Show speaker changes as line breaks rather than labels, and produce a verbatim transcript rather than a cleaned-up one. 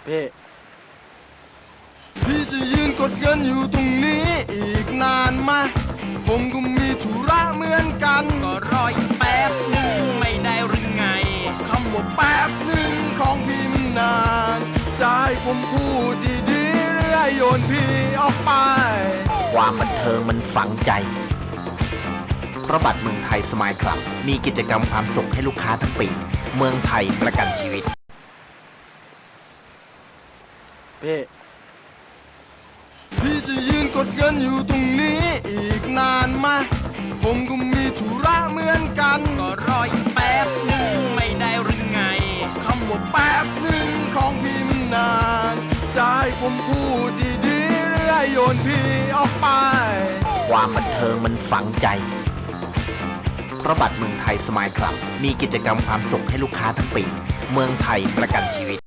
พี่พี่จะยืนกดเงินอยู่ตรงนี้อีกนานไหมผมก็มีธุระเหมือนกัน
ก็รออีกแป๊บหนึ่งไม่ได้หรือไง
คำว่าแป๊บหนึ่งของพี่มันนานจะให้ผมพูดดีๆหรือให้โยนพี่ออกไป
ความบันเทิงมันฝังใจเพราะบัตรเมืองไทยสมายคลับมีกิจกรรมความสุขให้ลูกค้าทั้งปีเมืองไทยประกันชีวิต
พี่พี่จะยืนกดเงินอยู่ตรงนี้อีกนานไหมผมก็มีธุระเหมือนกัน
ก็รออีกแป๊บหนึ่งไม่ได้หรือไง
คำว่าแป๊บหนึ่งของพี่มันนานจะให้ผมพูดดีๆหรือให้โยนพี่ออกไป
ความบันเทิงมันฝังใจเพราะบัตรเมืองไทยสมายคลับมีกิจกรรมความสุขให้ลูกค้าทั้งปีเมืองไทยประกันชีวิต